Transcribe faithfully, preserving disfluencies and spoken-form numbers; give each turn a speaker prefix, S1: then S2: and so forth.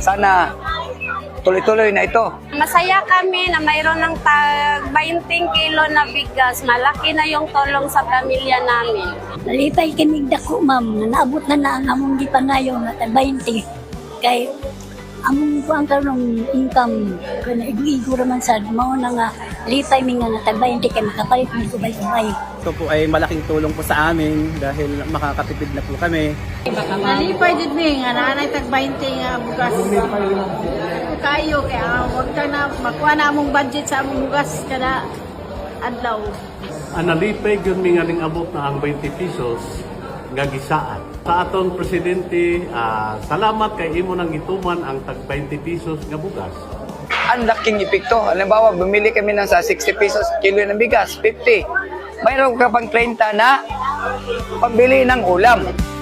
S1: sana tuloy-tuloy na ito.
S2: Masaya kami na mayroon ng tag twenty kilo na bigas. Malaki na yung tulong sa pamilya namin.
S3: Nalipay kami dako, ma'am. Naabot na na ang among gipangayon na twenty. Kay among ko ang karong income ko na igu-igu raman sa mao na nga lipay mi nga na twenty kay makapalit mi ko bay-bay.
S4: Ito po ay malaking tulong po sa amin dahil makakatipid na po kami.
S5: Nalipay din mi nga nanay tag twenty nga bugas. Kayo kaya wag ka na makuha na among budget sa among bugas kada adlaw.
S6: Ang nalipay yun mi nga ning abot na ang twenty pesos nga gisaan. Sa aton presidente, ah, salamat kay imo nang gituman ang tag twenty pesos nga bugas.
S1: Ang laking epekto. Halimbawa, bumili kami ng sa sixty pesos kilo ng bigas, fifty. Mayroon ka pang thirty na pambili ng ulam.